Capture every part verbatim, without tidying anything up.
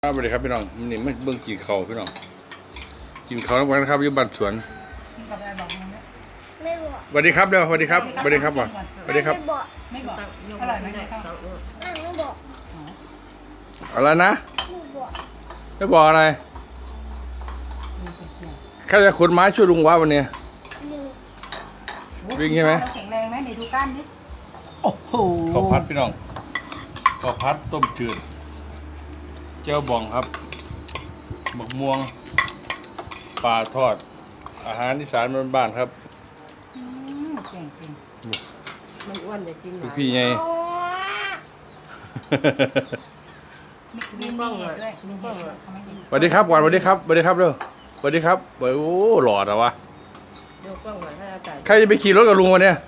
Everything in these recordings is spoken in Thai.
สวัสดีครับพี่น้องนี่ไม่เบิ่งกินข้าวพี่น้องกินข้าวแล้วกันครับอยู่บ้านสวนไม่บอกสวัสดีครับเดี๋ยวสวัสดีครับสวัสดีครับก่อนสวัสดีครับไม่บอกไม่บอกอร่อยไหมข้าวไม่ไม่บอกอะไรนะไม่บอกไม่บอกอะไรแค่จะขนไม้ช่วยลุงวะวันนี้หนึ่งวิ่งใช่ไหมแข็งแรงไหมไหนดูกล้ามดิโอ้โหข้าวพัดพี่น้องข้าวพัดต้มจืดเจ้าบองครับบักม่วงปลาทอด อาหารอีสานบ้านๆครับอืมเก่งจริงมันอ้วนจะกินหลายพี่ไงโอ้มีมีเห็ดด้วยมีเห็ดด้วยเขาไม่กินสวัสดีครับก่อนสวัสดีครับสวัสดีครับเร็วสวัสดีครับโอ้หล่อแต่วะเดี๋ยวกล้องหน่อยให้อาจารย์ใครจะไปขี่รถกับลุงวันเนี้ย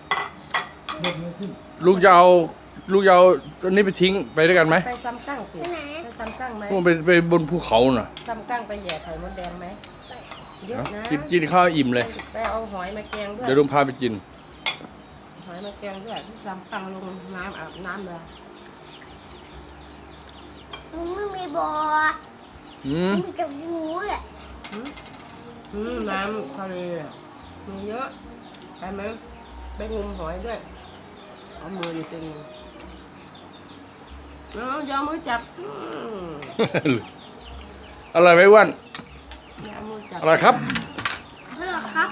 ลุงจะเอาลุงจะเอาตัวนี้ไปทิ้งไปด้วยกันไหมไปซ้ำกั้งสิไปไหนไปซ้ำกั้งไหมลุงไปไปบนภูเขาน่ะซ้ำกั้งไปแย่ไข่มดแดงไหมเยอะนะกินกินข้าวอิ่มเลยไปเอาหอยมาแกงด้วยเดี๋ยวลุงพาไปกินหอยมาแกงด้วยซ้ำกั้งลงน้ำอาบน้ำเลยมึงไม่มีบออืมมีแต่งูแหละอืมน้ำทะเลอะมีเยอะไปไหมไปงมหอยด้วยเอามืออยู่ตรงนี้เอาอย่าเอามือจับอืมอร่อยไหมอ้วันอย่าเอามือจับอร่อยครับไม่หรอกครับ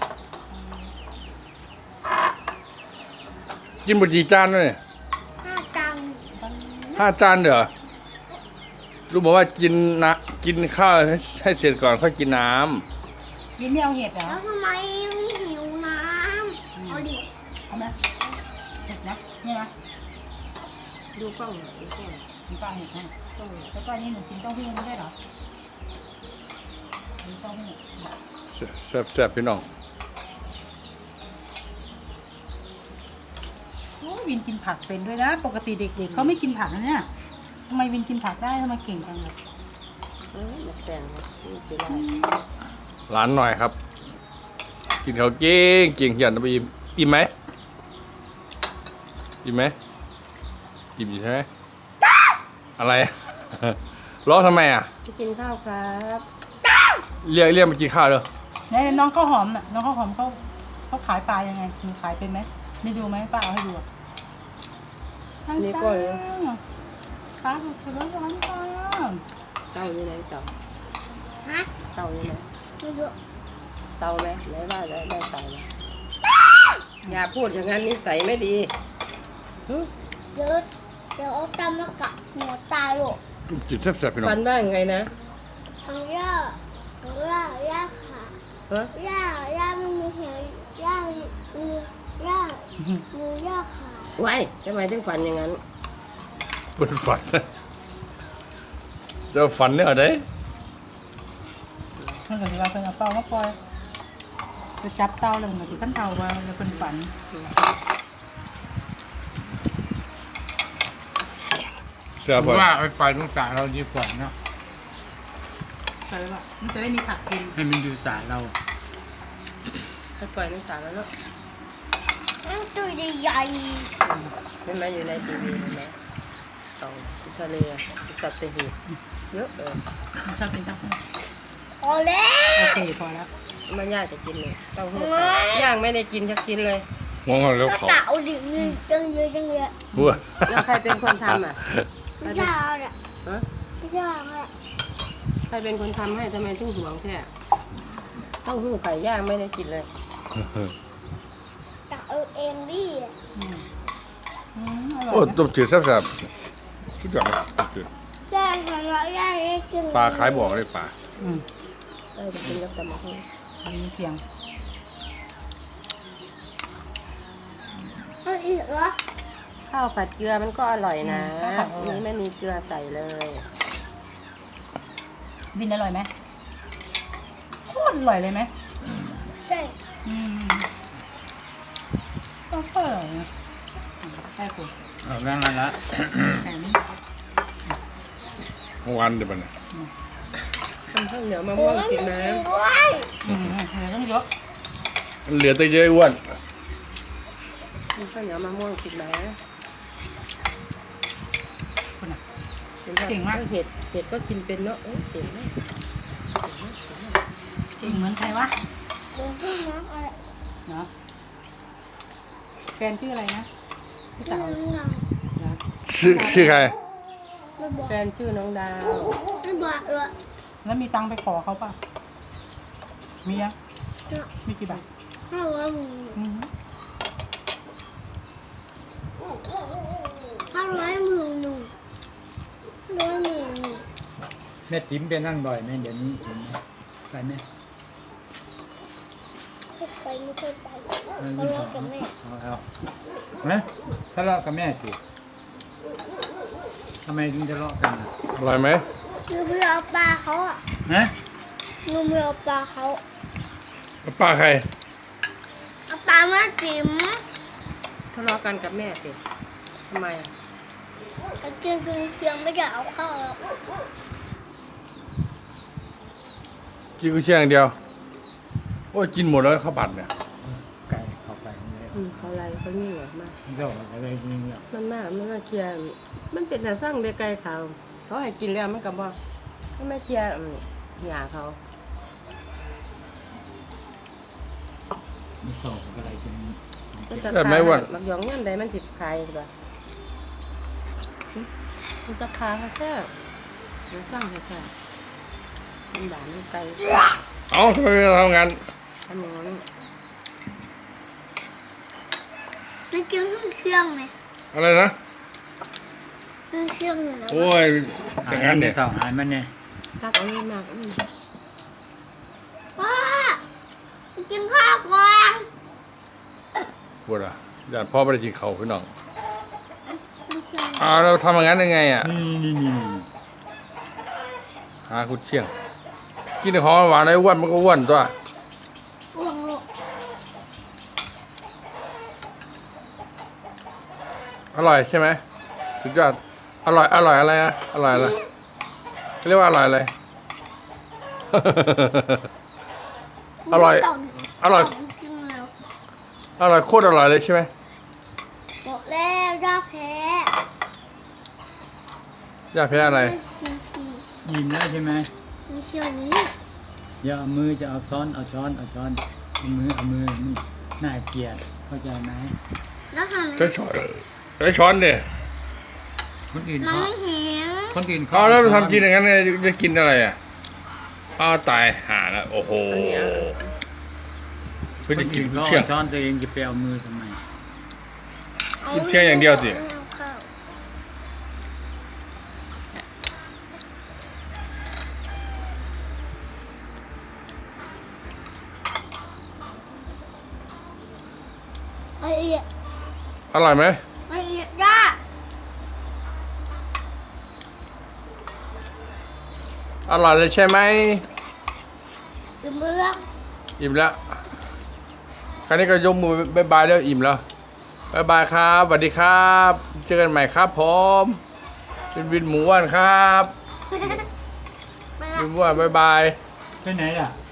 กินหมดกี่จานแล้วเนี่ยห้าจังห้าจานเด้อลุงบอกว่ากินนะกินข้าวให้ให้เสร็จก่อนค่อยกินน้กินไม่เอาเห็ดเหรอแล้วทำไมไม่หิวน้ำเอาดิเอาไหมเห็ดนะเนี่ยนะดูกล้องหน่อยดูกล้องมีป้าเห็ดให้กล้องแล้วก็นี่หนูกินเต้าหู้ไม่ได้เหรอกินเต้าหู้ำแซ่บแซ่บพี่น้องโอ้วินกินผักเป็นด้วยนะ ปกติเด็กๆเขาไม่กินผักนะเนี่ยทำไมวินกินผักได้ทำไมเก่งจังเลยเออมาแต่งนี่คืออะไรร้านหน่อยครับ กินข้าวเก่งเก่งเหียนไปอิ่มอิ่มไหมอิ่มไหมอิ่มอยู่ใช่ไหมอะไร ร้องทำไมอ่ะจะกินข้าวครับเรียกเรียกมากินข้าวเลยเนี่ยน้องข้าวหอมน่ะน้องข้าวหอมเขาเขาขายปลายังไงหนูขายเป็นไหมได้ดูไหมป้าเอาให้ดูอ่ะนี่ก็เลยป้าถือว่าร้อนป้าเตาอยู่ไหนเตาฮะเตาอยู่ไหนไม่รู้เตาไหมไหนว่าได้ได้เตาไหมอย่าพูดอย่างนั้นนิสัยไม่ดีหึเดี๋ยวเดี๋ยวเอาตำมากัดหัวตายหรอกจุดแซ่บๆพี่น้อฟังนว่าไงนะทางย่าทางย่าย่าขาฮะย่าย่าไม่มีเหวย่ามีย่ามือย่าขาไว้ทำไมถึงฟันอย่างนั้นเป็นฝันเดี๋ยวฝันเนี่ยเอาได้มันก็จะว่าเป็นเอาเตามาปล่อยจะจับเตาแล้วมันก็จะขั้นเตามาแล้วเป็นฝันเชื่อผป่ะมว่าไปปล่อยตรงสายเราดีกว่าเนาะใช่ป่ะมันจะได้มีผักกินให้มันดูสายเราไปปล่อยในสระแล้วเนาะอืมตัวใหญ่เห็นไหมอยู่ในทีวีเห็นไหมเตาที่ทะเลอะที่สัตว์หีบเยอะเออมันชอบกินเต้าหู้ๆพอแล้วโอเคพอแล้วมันยากจะกินเลยเต้าหู้ย่างไม่ได้กินจะกินเลยงงแล้วก็เขาเต่าดิมีจังเยอะจังเยอะหัวแล้วใครเป็นคนทำอ่ะไม่ยากแหละฮะไม่ยากแหละใครเป็นคนทำให้ทำไมถึงห่วงแค่เต้าหู้ไข่ย่างไม่ได้กินเลยเต่าเอาเองดิอืมอืมอร่โอ้อยไหมต้มจืดแซ่บๆสุดยอดเลยต้มจืดย่าทำแล้วย่าได้กินปลาขายบอกเลยปลาอืมได้จะกินกับตำมะฮุ่งอันนี้เพียงเอาอีกเหรอข้าวผัดเกลือมันก็อร่อยนะนี่ไม่มีเกลือใส่เลยวินอร่อยไหมโคตรอร่อยเลยไหมใช่อืมก็อร่อยนะใช่คุณเอาเรื่องนั้นละแข็งเมื่อวานเดี๋ยวมันยทำข้าวเหนียวมะโอ้ม่วงยกินมีนะกินด้วยอืมเหลือต้องเยอะมันเหลือแต่เยอะอ้วนทำข้าวเหนียวมะม่วงกินนะคุณอ่ะกินเก่งมากเห็ดเห็ดก็กินเป็นเนาะเอ้ยเก่งมากเก่งเหมือนใครวะเดินขึ้นน้ำอะไรเนาะแฟนชื่ออะไรนะพี่ชื่สาอวน้องเรานะชื่อชื่อใครไม่บอกแฟนชื่อน้องดาวไม่บอกเลยแล้วมีตังค์ไปขอเขาป่ะมียังมีกี่บาทห้าร้อยหมื่นอืมห้าร้อยหมื่นหนึ่งร้อยหมื่นหนึ่งแม่ติ๋มไปนั่นบ่อยไหมเดี๋ยวนี้เห็นไหมไปไหมไม่ไปไม่เคยไปไม่เพไม่ราะขอว่ากับแม่เอาเอาฮะทะเลาะกับแม่สิทำไมถึงทะเลาะกันอ่ะอร่อยไหมหนูไม่เอาปลาเขาอ่ะฮะหนูไม่เอาปลาเขาป้าใครเอาปลามาจิ๋มทะเลาะกันกับแม่สิทำไมอ่ะแต่กินเป็นเพียงไม่อยากเอาเข้าวแล้วกินกุ้ยเชียงอย่างเดียว โอ้ยกินหมดแล้วข้าวผัดเนี่ยไก่เข้าไปเลยอืมเขาอะไรเขาเหนื่อยมากเจ้าอะไรนี่เนี่ยมันมากมันมาเคลียร์มันเป็นแต่สร้างเด็กไกลเขาเขาให้กินแล้วมันกับว่าก็ไม่เคลียร์อืมหยาเขามีสองอะไรกินมันจะแซ่บไหมอ้วนมักหยองเงี้ยใดมันจิบคายหรือเปล่ามันจะคาเขาแซ่บมันสร้างเขาแซ่บมันด่ามันไกลเอ้าทำไมไม่ทำงานทำอย่างนั้นจะกินเครื่องไหมอะไรนะเครื่องอยู่นะโอ้ยอย่างนั้นเนี่ยเท่าหายมันเนี่ยตักเอาเงินมากอืมพ่อจะกินข้าวก่อนปวดอ่ะอยากพ่อไม่ได้กินเขาวพี่น้องเครื่องอ้าวเราทำอย่างนั้นยังไงอ่ะนี่นี่นี่หากุดเชียง กินแต่ของหวานไอ้อ้วนมันก็อ้วนตัวอ้วงลูกอร่อยใช่ไหมสุดยอด อร่อย อร่อยอะไรอ่ะ อร่อยอะไรเขาเรียกว่าอร่อยอะไร อร่อย อร่อยจริงแล้วอร่อยโคตรอร่อยเลยใช่ไหมบอกแล้วย่าแพ้อยากแพ้อะไรจริงยินแล้วใช่ไหมๆไม่เชื่อนี้อย่าเอามือจะเอาช้อนเอาช้อนเอาช้อนเอามือเอามือนี่น่าเกลียดเข้าใจไหมแล้วทำไมใช้ช้อนใช้ช้อนเนี่ยคนอื่นมันเขาไม่เห็นคนอื่นเอาแล้วทำกินอย่างนั้นเนี่ยจะกินอะไรอ่ะอ้าวตายหาแล้วโอ้โหอันเนี้ยเพื่อคนจะกินอื่นกุเขานเชียงเอาช้อนตัวเองจะไปเอามือทำไมกินเชียงอย่างเดียวสิอาข้าว ละเอียดอร่อยไหมละเอียดย่าอร่อยเลยใช่ไหมถึงเมื่ออิ่มแล้วคราวนี้ก็ยกมือบายบายแล้วอิ่มแล้วบายบายครับสวัสดีครับ เจอกันใหม่ครับผมเป็นวินหมูอ้วนครับไปวิละนหมูอ้วนบายบายไปไหนล่ะ